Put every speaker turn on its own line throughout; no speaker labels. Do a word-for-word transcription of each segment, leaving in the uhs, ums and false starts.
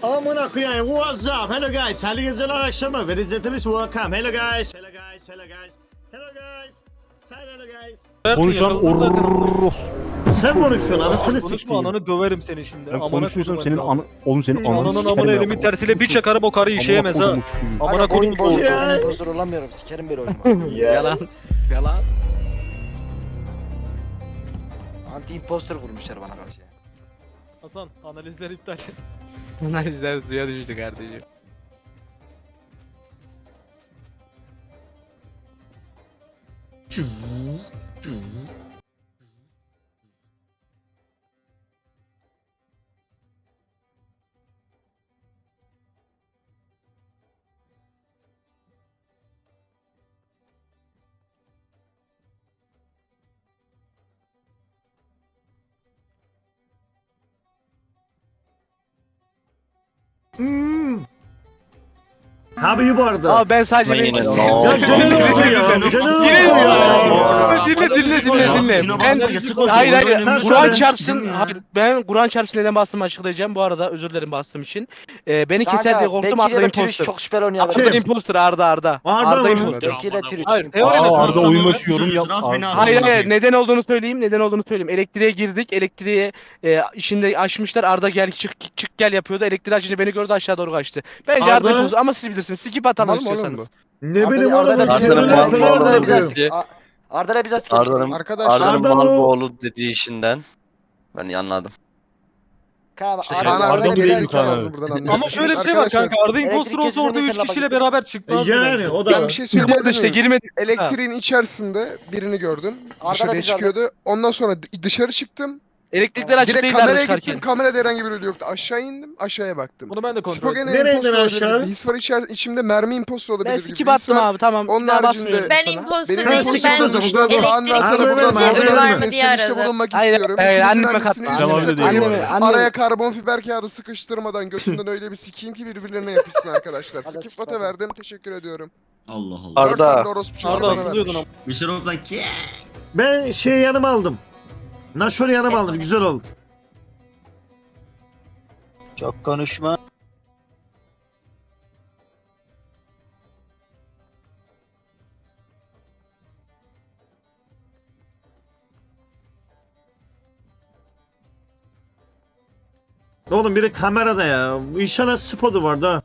Amına koyayım. What's up? Hello guys. Hayırlı geceler akşamı. Very gentlemen welcome. Hello guys. Hello guys. Hello guys. Hello guys. Say hello guys.
Konuşan orros.
Sen konuşuyorsun anasını
Konuşma
sikeyim.
ananı döverim seni şimdi.
Ben
Amına
konuşuyorsam
koydum
senin
ben.
an oğlum senin
Senin
ananı
ananın
sikerim
amına
ya.
elimin tersiyle bir çakarım o karı işeyemez ha.
Amına kodumu çocuğu.
Amına
Kanka oyun
koydum.
bozuldu.
Ya.
Oyun bozuldu olamıyorum. Sikerim böyle oyunu.
Yalan. Yalan.
Anti imposter vurmuşlar bana karşı.
Hasan analizler iptal.
Analizler suya düştü kardeşim.
Abi iyi bu arada.
Abi ben sadece
Ama yine
benim...
ne
Ya canın oldu ya. Canın oldu
Yine
ya.
dinle dinle dinle dinle. Ben hayır hayır
Sen
Kur'an
söyle.
çarpsın. Hayır, ben Kur'an çarpsın neden bastığımı açıklayacağım. Bu arada özür dilerim bastığım için. Ee, beni keser diye korktum.
Bekir ya
Arda
da Türüç
imposter.
çok şüpheli oynuyor.
Kim?
Arda imposter Arda Arda.
Arda
Arda
mı?
imposter.
Bekir ile Türüç.
Hayır, teori
Aa,
ne?
Arda uyumaş yorum yap.
Hayır hayır neden olduğunu söyleyeyim neden olduğunu söyleyeyim. Elektriğe girdik elektriğe e, işinde açmışlar Arda gel çık çık gel yapıyordu. Elektriği açınca beni gördü aşağı doğru kaçtı. Bence Arda,
Arda-
imposter ama siz bilirsiniz. Skip atalım istiyorsanız.
Ne bileyim
Arda-
oğlum.
Arda'yla-
Çevreler
Arda'nın
falan
mal-
da
mal-
yapıyor.
mal-
Arda'yla bize sikerim.
Arda'nın
Arkadaşlar
Arda'nın
Arda
mal
bu-
boğulu dediği işinden ben iyi anladım.
Kaan
İşte
Arda-
Kaan
Arda
abi
mı
de
değil
bize
Kaan abi?
buradan anlıyorum.
Ama şöyle bir şey var
Arkadaşlar,
kanka. Arda imposter
elektrik
olsa orada
kesildiğinde
üç
mesela
kişiyle
bak-
beraber çıkmazdı
Yani
bence.
o da
Ben
var.
bir şey
Çıkmadı
söyleyebilir
işte
miyim?
girmedik.
Elektriğin içerisinde birini gördüm.
Arda
Dışarıya
biz Arda-
çıkıyordu. Ondan sonra d- dışarı çıktım.
Elektrikler açık
Direkt
değillerdi
kameraya
çıkarken.
gittim. Kamerada herhangi bir ölü yoktu. Aşağı indim. Aşağıya baktım.
Bunu ben de kontrol ettim.
Spogene
Nereye
imposter
indin
olabilir.
aşağı?
Bir his var içer içimde mermi imposter olabilir.
Ben
gibi bir
skip
his
attım
var.
abi tamam.
Onun
Bir daha
haricinde-
basmıyorum
Ben
sana.
imposter
Benim
değilim.
imposter
Ben
olsa bu kadar-
elektrik
Arda
kesildiğinde
verme, Arda
ölü var
verme.
mı diye aradım.
bulunmak
Hayır,
istiyorum.
hayır,
İkinizin
anneme
annesini
katma.
Sen öyle
yüzüne
değil bu
koyayım.
arada.
Araya karbon fiber kağıdı sıkıştırmadan götünden öyle bir sikeyim ki birbirlerine yapışsın arkadaşlar.
Hadi
Skip
sıkmasın.
vote verdim. Teşekkür ediyorum.
Allah Allah.
Arda.
Dört tane orospu çocuğu
Arda
bana
asılıyordun
vermiş.
ama.
Mister Oakland ki?
Ben şey yanıma aldım. Naşor'u yanıma aldım. Güzel oldu.
Çok konuşma.
Oğlum biri kamerada ya. Bu inşallah spotu var da.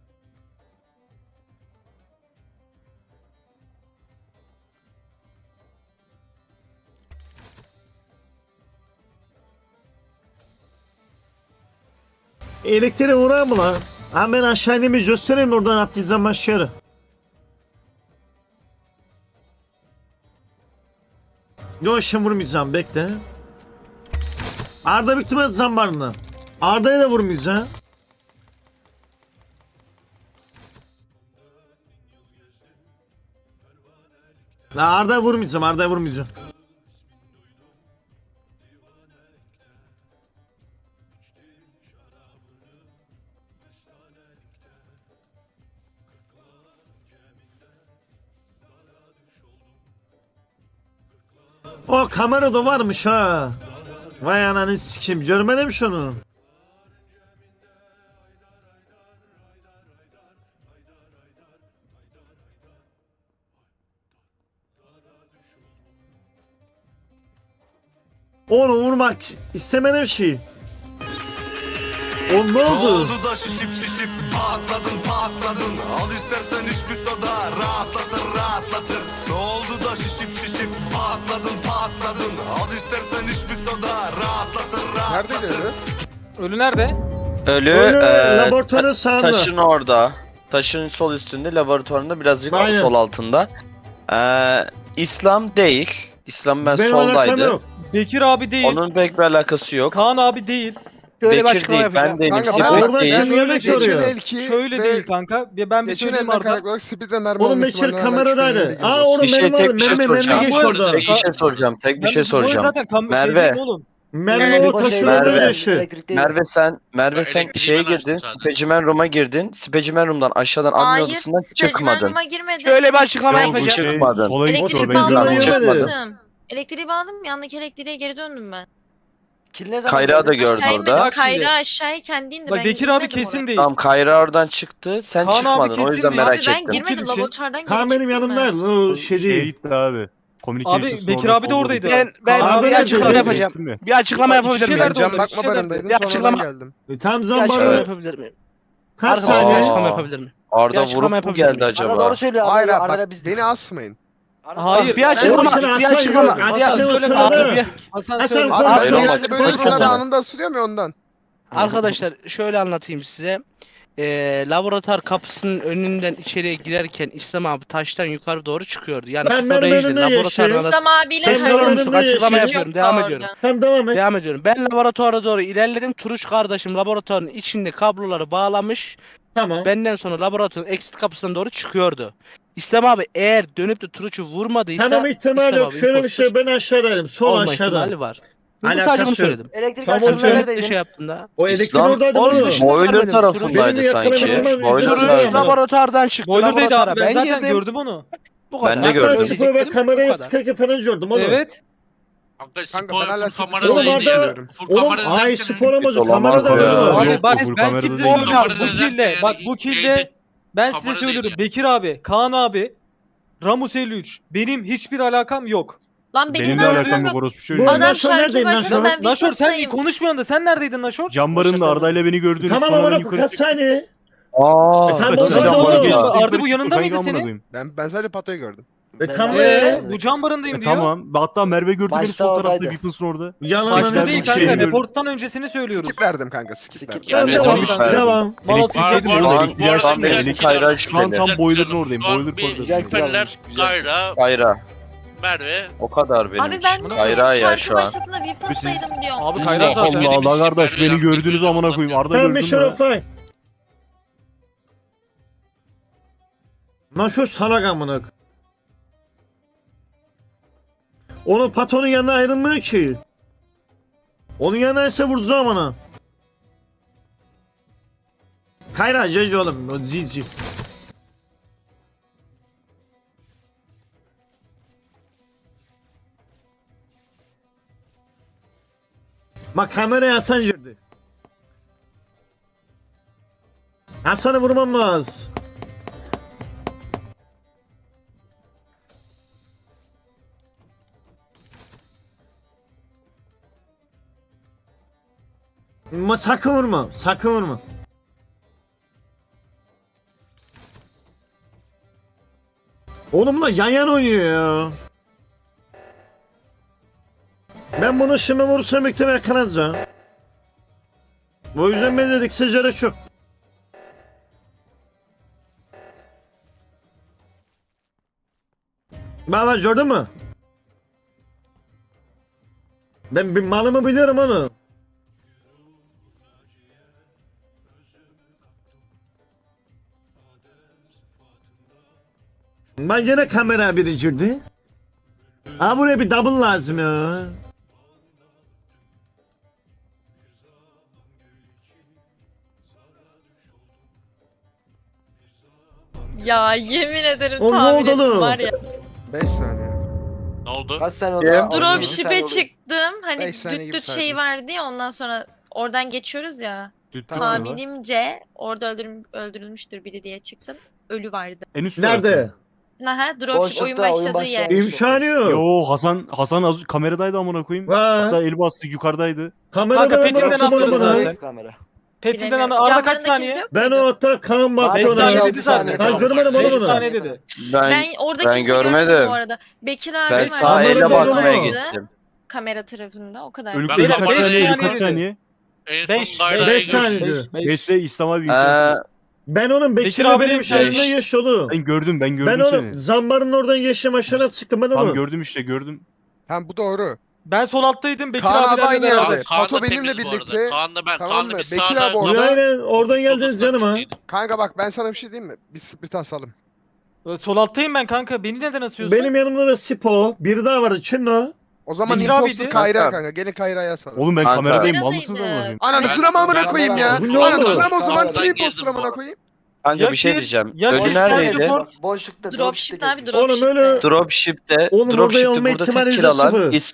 Elektriğe uğrar mı lan? Ha ben aşağı ineyim bir göstereyim oradan atlayacağım aşağı. Yok şimdi vurmayacağım bekle. Arda bitti mi zambarını? Arda'ya da vurmayacağım. La Arda'ya vurmayacağım, Arda'ya vurmayacağım. O kamerada varmış ha. Vay ananı sikeyim. Görmedim şunu. Onu vurmak istemedim şey. O ne oldu?
da şişip şişip patladın patladın. Al istersen hiçbir soda rahatlatır rahatlatır. Ne oldu da şişip şişip patladın patladın. Al istersen hiçbir soda rahatlatır rahatlatır.
Neredeydi ölü?
Ölü nerede?
Ölü,
Ölü
e,
laboratuvarın
ta-
sağında.
taşın orada. Taşın sol üstünde, laboratuvarında birazcık
Aynen.
sol altında. Ee, İslam değil. İslam ben
Benim alakam
soldaydı.
yok.
Bekir abi değil.
Onun pek bir alakası yok.
Kaan abi değil.
Şöyle bir
Bekir
açıklama
değil, ben
yapacağım.
değilim.
Kanka,
Sipek
ben oradan
değil.
şimdi yemek
Geçen
soruyor.
elki
Şöyle
ve
değil kanka. Bir ben bir
geçen
söyleyeyim
elden
Arda.
kaynaklı olarak speed ve mermi
Oğlum
olma
Bekir
ihtimaline
kameradaydı.
şüphelerine
Aa
giriyoruz.
oğlum
Bir şey,
benim
tek
var.
bir şey
Mermi mermi
soracağım.
geç
Bu-
orada.
Tek bir şey soracağım, tek bir
Ben-
şey
bu
soracağım.
zaten kam- şey
Merve.
değil mi oğlum?
Mermi
Evet,
o
boş
taşın
ver.
orada
Merve.
yaşıyor.
Elektrikte-
Merve sen, Merve sen
Elektriği
şeye
ben açtım
girdin,
zaten.
Specimen Room'a girdin. Specimen Room'dan aşağıdan admin
Hayır,
odasından
Specimen
çıkmadın.
Room'a girmedim.
Şöyle bir açıklama
Yok, bu
yapacağım.
çıkmadın.
Sola git
Elektriği
o
Elektriği
benziyor.
bağladım,
bağladım.
Çıkmadı.
çıktım. Elektriği bağladım, yandaki elektriğe geri döndüm ben.
Kill ne zaman
Kayra da
geldi?
gördü
Aşağı
orada.
inme. Bak şimdi.
Kayra aşağıya kendi indi.
Bak
Ben
Bekir abi
girmedim
kesin
oraya.
değil.
Tamam Kayra oradan çıktı. Sen
Kaan abi
çıkmadın. O
kesin
yüzden
değil.
merak
Abi ben
ettim.
girmedim.
Kim için?
Laboratuvardan geri
Kaan benim
çıktım ben.
yanımda. O şey
Şeye
değil.
gitti abi. Communications'ın
Bekir
orada
abi de
solda
oradaydı.
gitti.
Ben ben
Abi
bir
nerede?
açıklama
Nerede?
yapacağım.
Gittin mi?
Bir açıklama
Bak,
yapabilir
iki
miyim?
şeyler
Ben
de
can
oldu,
bakma
bir şeyler
barındaydım
Bir
sonradan
açıklama-
geldim.
E, Tam
Bir açıklama
zamanı
yapabilir miyim?
kaç
Arkadaşlar bir
saniye?
açıklama
Aa.
yapabilir miyim? Bir
Arda
açıklama
vurup mu
yapabilir
geldi
miyim?
acaba?
Arda doğru söylüyor.
Hayır
Arda,
abi
Arda
bak
biz.
beni asmayın.
Arda-
Hayır.
Bir açıklama,
Oğlum sen
bir
Hasan
açıklama.
yok.
Bir
Hasan
açıklama.
yok,
söyle
söyle.
Abi, bir-
Hasan
Hasan
söyle.
konuş.
Abi
Hayır,
genelde
olmadı.
böyle
Konuş
durumlarda
Hasan.
anında asılıyorum ya ondan.
Arkadaşlar şöyle anlatayım size. Ee, laboratuvar kapısının önünden içeriye girerken İslam abi taştan yukarı doğru çıkıyordu. Yani
Ben
siz
benim
oraya
önümde
gidin. Laboratuvarın
yaşayayım.
arası-
İslam abiyle
Sen
Açıklama
benim önümde
açıklama
yaşayın.
yapıyorum. Devam ediyorum.
Tamam devam et.
Devam ediyorum. Ben laboratuvara doğru ilerledim. Turuç kardeşim laboratuvarın içinde kabloları bağlamış.
Tamam.
Benden sonra laboratuvarın exit kapısından doğru çıkıyordu. İslam abi eğer dönüp de Turuç'u vurmadıysa
Tamam ihtimal
İslam
yok.
abi
Şöyle bir
imposter
şey ben aşağıdaydım. Sol
olma
aşağıda.
ihtimali var. Ben
Alakası
sadece bunu
yok.
söyledim.
Elektrik
Tamam,
açılımda
hocam.
Ne
neredeydin?
şey yaptığında.
O elektrik
İslam-
oradaydı
Onun
oğlum.
dışında-
Boiler
Benim
tarafındaydı
Benim
sanki.
yakınım-
Boiler
Turuç
Turuç
Öyle.
laboratuvardan çıktı.
Boiler'daydı abi. Ben
laboratuvara
zaten
girdim.
gördüm onu.
Bu kadar.
Ben de
Hatta
gördüm.
spor ve kameraya sıkarken falan gördüm oğlum.
Evet.
Kanka
Spor
ben hala
full
kamera
kamerada
Oğlum
değil.
Arda-
Full
Oğlum
kamerada
ay
derken-
spor amacı
Olamaz
kamerada
ya.
var.
Yok,
Abi
yok,
ben,
full
ben
kamerada
size
değil.
söylüyorum.
Kamerada
Bu
derken
kilde.
yani
Bak bu kilde.
şeyde-
Ben size
kamerada
söylüyorum.
değil
Bekir abi, Kaan abi, Ramus elli üç. Benim hiçbir alakam yok.
Lan benim,
Benim
de
de
alakam
alakam
yok.
yok orospu
Bu
çocuğu.
arada-
Adam
Naşor
şarkı
neredeyim,
başladı
Naşor?
ben
Naşor sen
Vipass'tayım.
konuşmuyorsun da sen neredeydin Naşor?
Cambarın Arda'yla beni gördünüz
Tamam
sonra ben
ama
yukarı
kaç
çıktım.
saniye?
Aa,
E sen
kaçın
buradaydı
cambarı
oğlum.
da.
Arda bu yanında mıydı senin?
Ben ben sadece Pato'yu gördüm.
E
Ben-
tamam.
Eee
Evet.
bu cam barındayım
E,
diyor.
tamam. Hatta Merve gördü beni
Başta
sol tarafta
oradaydı.
Weapons'ın orada.
Yalan
Başta
Başta
değil
bir
kanka.
şey gördüm.
Reporttan öncesini söylüyoruz.
Skip verdim kanka skip
Skip.
verdim.
Yani
devam,
devam verdim.
devam.
Malas
Elektrikteydim
içeydim.
Şu
orada.
an-
Elektriği
şu an
açtım.
benim
Elektrik-
Kayra
Şu an
şüpheli.
tam boiler'ın oradayım.
Şu an
Boiler
bir
koridorundayım.
şüpheliler
Güzel.
Kayra,
Kayra.
Merve.
O kadar benim
Abi ben
için.
de
Kayra ya
şarkı
şu an.
başladığında Vipass'taydım diyorum.
Abi
Allah
Kayra zaten.
Allah Allah kardeş beni
Merve
gördünüz
yaptı.
amına koyayım. Arda
Tamam
gördün
Mission
mü?
of Fine. Lan şu salak amına. Onun patronun yanına ayrılmıyor ki. Onun yanına ise vurdu zamana. Kayra ceci oğlum. O cici. Bak kameraya Hasan girdi. Hasan'ı vurmam lazım. Ma sakın vurma. Sakın vurma. Oğlum da yan yana oynuyor ya. Ben bunu şimdi vurursam muhtemelen yakalanacağım. O yüzden ben dedik secere çok. Baba gördün mü? Ben bir malımı biliyorum onu. Ben yine kamera biri girdi. Ha buraya bir double lazım ya.
Ya yemin ederim
Oğlum, ne
tahmin
oldu
ettim
oğlum?
var ya.
beş saniye.
Ne oldu?
Kaç saniye oldu?
Kim?
Altı saniye
Dropship'e
oldu.
çıktım. Hani
Beş saniye
düt
gibi
düt
saydım.
şey vardı ya ondan sonra oradan geçiyoruz ya.
Tamam.
Tahminimce orada öldürüm, öldürülmüştür biri diye çıktım. Ölü vardı.
En üst
Nerede?
Aha dropship
Boşlukta,
oyun
oyun
başladığı
başladı.
yer.
İmkanı yok.
Yo Hasan Hasan az kameradaydı amına koyayım.
Va.
Hatta el bastı yukarıdaydı.
Kamerada
Kanka,
ben
Petin'den
bıraktım onu
atlarız
bana.
zaten.
Kamera.
Petil'den
Bilemiyorum.
Arda
Camlarında
kaç
kimse
saniye?
yok
Ben
muydu?
o hatta Kaan baktı
Beş
ona.
saniye
altı
dedi zaten.
Ben görmedim oğlum
beş
onu.
saniye dedi.
Ben
Ben orada
ben
kimse
görmedim.
görmedim bu arada. Bekir abi
ben
var.
sağ
Kamerada
ele
görmedim
bakmaya
ama.
gittim.
Kamera tarafında o kadar.
Ölü
Ben
ölü kaç
kamerada
saniye? Ölü
değilim.
kaç saniye?
En
beş,
son Kayra'yı
beş
gördüm.
saniye.
Beş, beş.
Beşte İslam abi
Ee,
imkansız.
Ben onun
Bekir
Bekir
abi
abinin
benim
şeyinden
şey-
yaş yolu.
Ben gördüm ben
Ben
gördüm
onu
seni.
zambarın oradan geçtim aşağıya çıktım ben
Tam
onu.
gördüm işte gördüm.
Tamam bu doğru.
Ben sol alttaydım. Bekir
Kaan abi
abilerle
aynı
beraber.
yerde.
Kaan
Pato
da
benimle
temiz bu arada.
birlikte.
Kaan'la ben.
Tamam
Kaan'la
mı?
biz
Bekir
sağda
abi orada.
Aynen oradan geldiniz yanıma.
Kanka bak ben sana bir şey diyeyim mi? Bir split asalım.
Sol alttayım ben kanka. Beni neden asıyorsun?
Benim yanımda da Sipo. Biri daha vardı. Kim o?
O zaman
Bekir
imposter
abiydi.
Kayra
Kanka.
kanka. Gelin Kayra'ya asalım.
Oğlum ben
Kanka.
kameradayım mal
Kameradaydı.
mısınız amına koyayım?
Ananızına mı amına koyayım ya?
Bu ne oldu?
Ananızına mı o zaman
Sağdan
kim imposter
girdim
amına
bu.
koyayım?
Kanka
Ya
bir şey
ki-
diyeceğim.
ya
Ölü
ki-
neredeydi?
Spor-
Boşlukta.
Dropship abi
geçmiş.
Oğlum
dropship.
öyle-
Dropship'te,
Oğlum orada
Dropship'te
olma
burada
ihtimali
tek kill
yüzde
alan
sıfır.
İslam.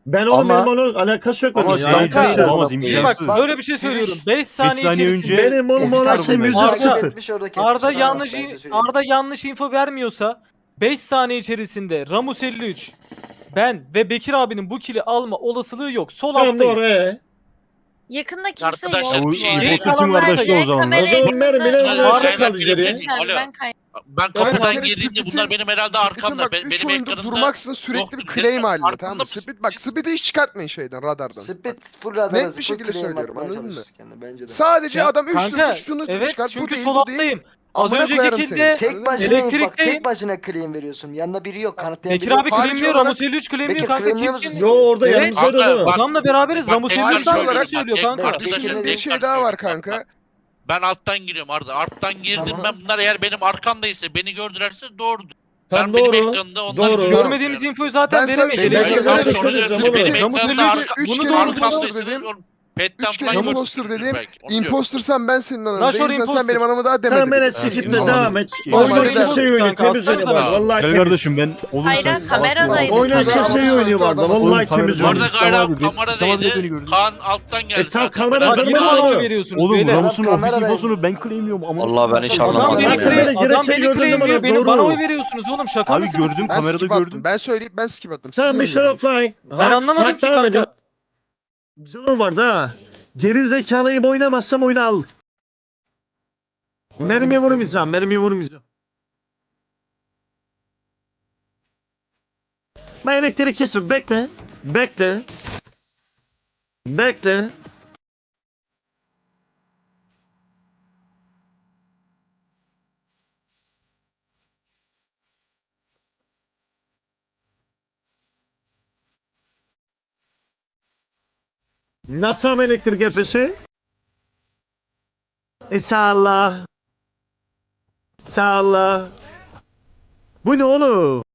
Ben oğlum
Ama-
benim onun alakası yok.
Ama
benim.
şey
Alakası yok.
olamaz,
Bak
imkansız.
böyle bir şey söylüyorum. beş saniye,
saniye
içerisinde
önce-
Benim oğlum ona
Ofisler
şey
bunlar.
yüzde
Arda
sıfır.
etmiş, orada kesmiş.
Arda
Tamam,
yanlış
ben size söyleyeyim.
Arda yanlış info vermiyorsa beş saniye içerisinde Ramus elli üç, ben ve Bekir abinin bu kili alma olasılığı yok. Sol
Tamam
alttayız.
doğru ee.
Yakında kimse
Arkadaşlar,
yok.
bu
bu
şey-
arada.
bu
Kalan
seçim
var
kardeşler
ya,
o zaman.
kamera
O zaman
yakınında-
benim bile
Şöyle
onlar
şeyler
kaldı geriye.
Lütfen,
Alo.
ben kay-
Ben
Ya
kapıdan
bir kere
girdiğimde
Split'in-
bunlar benim herhalde
Split'in
arkamda.
bak
Ben,
üç
benim
oyunda
ekranımda
durmaksın sürekli
yoktu.
bir claim halinde
Arkamda
tamam mı?
mısın?
Split bak Split'i hiç çıkartmayın şeyden radardan.
Split full radar.
Net bir şekilde söylüyorum, anladın mı?
Bence de.
Sadece
Ya
adam üç
kanka,
üç şunu
evet
çıkart bu
çünkü
değil
sol
bu değil.
alttayım. Az
Amına
önceki
koyarım
kilde
seni.
Tek
Anladın mı?
başına bak
Elektrikteyim.
tek başına claim veriyorsun. Yanında biri yok. Kanıtlayan
Bekir
biri
abi
yok.
Harici
claimliyor,
olarak-
Ramus elli üç claimliyor
Bekir,
kanka.
claimliyor
Kim
musun?
kim?
Yo orada
Evet.
yanımızdaydı
Kanka,
oğlum.
bak-
Adamla beraberiz.
Bak,
Ramus
tek
elli üç
başına
claim
olarak-
söylüyor
bak,
kanka.
tek-
Bekir'in
Arkadaşlar,
dediği
tek
şey
başına
daha var
söylüyorum.
kanka.
Ben alttan giriyorum Arda. Alttan girdim
Tamam.
ben, bunlar eğer benim arkamdaysa, beni gördülerse doğrudur.
Tam
Ben benim
doğru.
ekranımda onlar
Doğru.
görüyor.
Görmediğimiz infoyu zaten
Ben sana
veremeyiz.
bir şey
Ben
söyleyeyim.
sana
Elektrik-
bir şey söyleyeceğim
Benim
oğlum.
ekranımda
Ramus elli üç
arka,
üç
bunu
kere
doğru
imposter
arkamdaysa
dedim.
oğlum, petten
Üç kere
falan
imposter
gösteriyor
dedim.
belki, onu diyorum.
Impostersan ben senin ananı
Naşor
değilsen
imposter.
sen benim anamı daha demedin.
Tamam ben
Ha,
skip'le
tamam.
devam et.
Normalde
Oyuna
der.
kimse iyi oynuyor.
Kanka,
Temiz oynuyor
atsana
var.
bana.
Vallahi
Gel
temiz.
kardeşim ben olursa
Hayır,
siz-
kameradaydı.
Oyuna
Kamera-
kimse iyi oynuyor vardı. Vallahi
Oğlum,
temiz
kamera-
Bu
oynuyor.
arada
İslam
Gayra
abi, İslam abi de beni
kameradaydı.
gördü.
Kaan alttan geldi.
E, tam
zaten.
kamera-
Ben-
Bak
Adamı
yine
da
bana
doğru.
oy veriyorsunuz.
Oğlum
beyler.
Ramus'un
kamera
ofis
değil.
infosunu ben claimliyorum ama.
Vallahi ben hiç
Adam
anlamadım.
beni
Adam
ya.
böyle
claim, adam
gerekçe
beni
gördün değil mi
claimliyor.
lan?
Beni
Doğru.
bana oy veriyorsunuz oğlum. Şaka
Abi
mısınız?
gördüm
Ben
kamerada
skip attım.
gördüm.
Ben söyleyip ben skip attım.
Tamam
Siz
Mission Offline.
Ben anlamadım ki kanka.
Canım vardı ha. Geri zekalıyı oynamazsam oyunu al. Mermiye vurmayacağım. Mermiye vurmayacağım. Ben elektriği kesme. Bekle. Bekle. Bekle. Nasıl ama elektrik yapışı? E sağ Sağ Bu ne oğlum?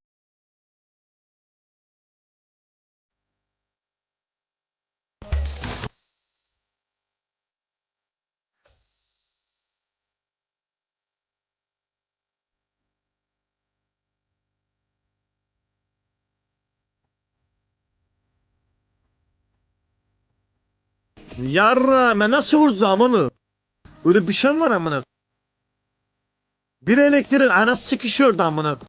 Yarra ben nasıl vuracağım onu? Öyle bir şey mi var amına? Bir elektriğin anası sıkışıyordu amına.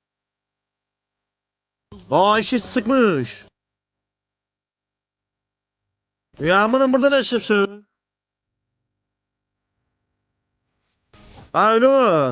Aa işi sıkmış. Ya amına burada ne yapıyorsun? Aa öyle mi?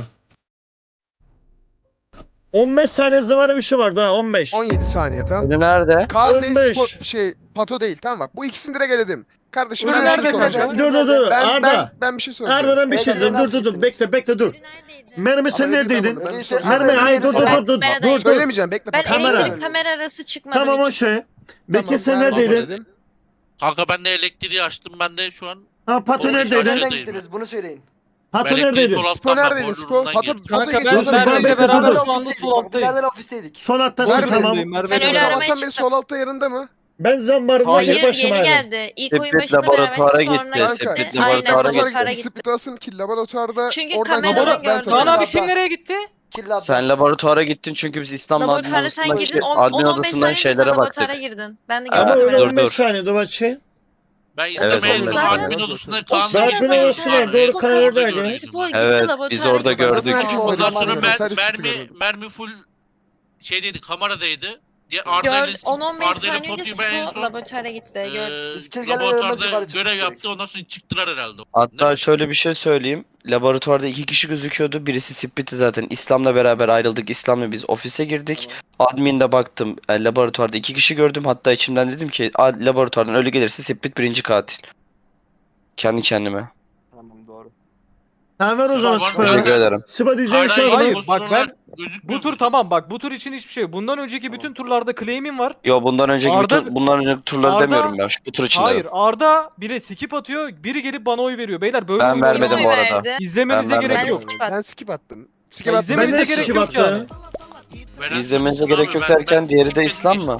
on beş saniye zamanı bir şey vardı ha on beş.
on yedi saniye tamam.
Beni nerede?
Kaan değil,
on beş.
spor, şey Pato değil tamam bak. Bu ikisini direkt eledim. Kardeşim
Öyle
ben bir şey
nerede
soracağım.
kanka?
Dur dur dur
Ben,
Arda.
ben, ben bir şey soracağım.
Arda ben bir şey
Beyler,
diyeceğim. Dur
nasıl
dur dur.
gittiniz?
Bekle bekle dur.
Ölü neredeydi?
Mermi sen
Ama
neredeydin?
ben-
Öyleyse
Mermi
Arda'yı
hayır dur dur
verirsen-
dur dur.
Ben-
Dur dur.
Söylemeyeceğim bekle.
Ben
Pato.
Kamera.
elektrik kamera arası çıkmadım
Tamam o
hiç.
şey. Bekir
Tamam,
sen
ben
neredeydin?
Pato dedim.
Kanka ben de elektriği açtım, ben de şu an
Ha Pato
Oğlum,
neredeydin?
şaşırdım.
Nereden gittiniz? Bunu söyleyin.
Pato
elektriği
neredeydin?
sol
Spo
alttan
neredeydin
bak,
Spo?
burnundan
Pato,
girdim.
Pato
Kanka
geç.
ben
Dur, dur,
Merve
ben
ile
bekle,
beraber
dur, dur.
şu anda sol alttayım.
Bizlerden ofisteydik.
Son hattasın
Nerede?
tamam.
Merve
Ben
ile
öyle
beraber.
aramaya
Sabahtan beri
çıktım.
sol altta yanında mı?
Ben zambarımda
Hayır
tek başıma
yeni
geldim.
geldi. İlk oyun
Split
başında
laboratuvara
beraber
gitti,
sonra
Kanka
gitti.
Split
Aynen
laboratuvara
laboratuvara
laboratuvara
gitti.
Split asın ki laboratuvarda
Çünkü
oradan
kameradan
gidiyorum, ben
gördüm.
Kaan
tanıyorum.
abi kim nereye gitti?
Kill
Sen laboratuvara gittin çünkü biz İslam'la admin
Laboratuvara sen
odasından,
girdin.
şey,
on-
admin
on on beş
odasından
saniye sen
şeylere
laboratuvara
baktık.
girdin. Ben de
Aa,
Ama
gördüm.
öyle
dur,
on beş
dur.
saniye dur bak şey.
Ben
Evet,
İslam'a en son
zaten-
admin odasında Kaan'la
Zaten
girdim.
o
Ben
sıra
en
doğru
son
Kaan
orada
oradaydı.
gördüm.
Spor gitti
Evet,
laboratuvara
biz orada
gitti.
gördük.
Sonra-
Ondan sonra
Zamanında
mer
sadece
mermi
çıktı
mermi full şeydeydi, kameradaydı. Diğer Arda
Gör,
ile
on on beş
Arda ile
saniye önce
Potu'yu ben en
Spor
son
laboratuvara gitti.
eee,
Gördüm.
Biz kill gelmeden
laboratuvarda
ölmez yukarı çıktık
görev
direkt.
yaptı, ondan sonra çıktılar herhalde.
Hatta şöyle bir şey söyleyeyim. Laboratuvarda iki kişi gözüküyordu. Birisi Split'i zaten. İslam'la beraber ayrıldık. İslam'la biz ofise girdik. Admin'de baktım. e, laboratuvarda iki kişi gördüm. Hatta içimden dedim ki "A- laboratuvardan ölü gelirse Split birinci katil. Kendi kendime.
Tamam doğru.
Tamam ver o zaman
Sıra var,
Sıpa.
Teşekkür ederim.
Sıpa diyeceğin şey var
Hayır,
mı?
bak ben-
gözükmüyor
Bu tur
burada.
tamam bak bu tur için hiçbir şey yok. Bundan önceki bütün turlarda claim'im var.
Yo bundan önceki
Arda-
bütün bundan önceki turları
Arda-
demiyorum ben. Şu bu tur için
Hayır
dedim.
Arda biri skip atıyor, biri gelip bana oy veriyor. Beyler böyle
Ben
oyun
vermedim
Kim
bu
oy
arada.
verdi?
İzlemenize
Ben
gerek
Ben
yok.
skip
Ben
attım.
skip attım. Skip
Ya
attım.
izlemenize
Ben de
gerek
skip
yok yani.
attım.
Veren
İzlemenize
yoksun
gerek
abi,
yok
ben-
derken
ben
diğeri de
skip
İslam
ettim.
mı?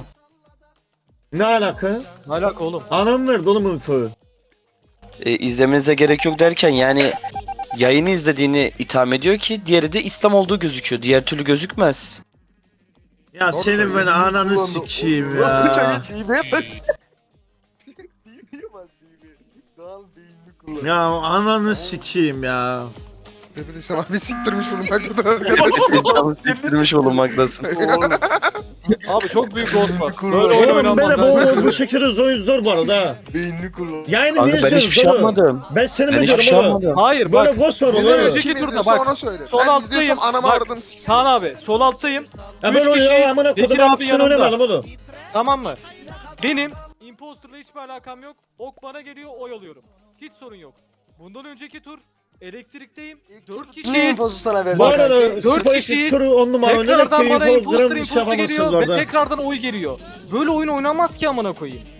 Ne alaka?
Ne alaka oğlum?
Anam verdi oğlum infoyu.
E, izlemenize gerek yok derken yani yayını izlediğini itham ediyor ki diğeri de İslam olduğu gözüküyor. Diğer türlü gözükmez.
Ya senin ben ananı sikeyim
Nasıl
ya.
çayı çiğneye bas. Çiğneye bas çiğneye. Kaan beynini kullan.
Ya ananı sikeyim ya.
Bebeli sen abi siktirmiş bulunmaktadır arkadaşlar.
İslam'ı siktirmiş bulunmaktasın.
Abi çok büyük ghost var.
Kurban.
Böyle oyun
Oğlum
oynanmaz.
böyle
lan.
bu, bu şekilde zor, zor bu arada ha.
Beynini kullan.
Yayını
Kanka
niye
ben hiçbir şey
izliyorsun oğlum?
yapmadım.
Ben seni
Ben
mi
hiçbir şey
diyorum oğlum?
yapmadım.
Hayır
Böyle
bak.
boş ver
Seni
oğlum.
önceki
Kim
turda
izliyorsa
bak.
ona söyle.
Sol
Ben
alttayım.
izliyorsam anamı
Bak,
aradım siksin.
Kaan abi sol alttayım.
Ya
Üç
böyle oluyor
kişiyiz.
amına
Bekir
kodum ben
abi
sen
yanımda.
oynamayalım oğlum.
Tamam mı? Benim imposterla hiçbir alakam yok. Ok bana geliyor, oy alıyorum. Hiç sorun yok. Bundan önceki tur elektrikteyim. dört
Ne
kişiyiz.
infosu sana verdi?
Bu arada
Dört
Spike
kişiyiz.
turu on numara oynadık ki
Tekrardan bana
info
imposter
gram bir şey
imposter
yapamazsınız
geliyor ve
orada.
tekrardan oy geliyor. Böyle oyun oynanmaz ki amına koyayım.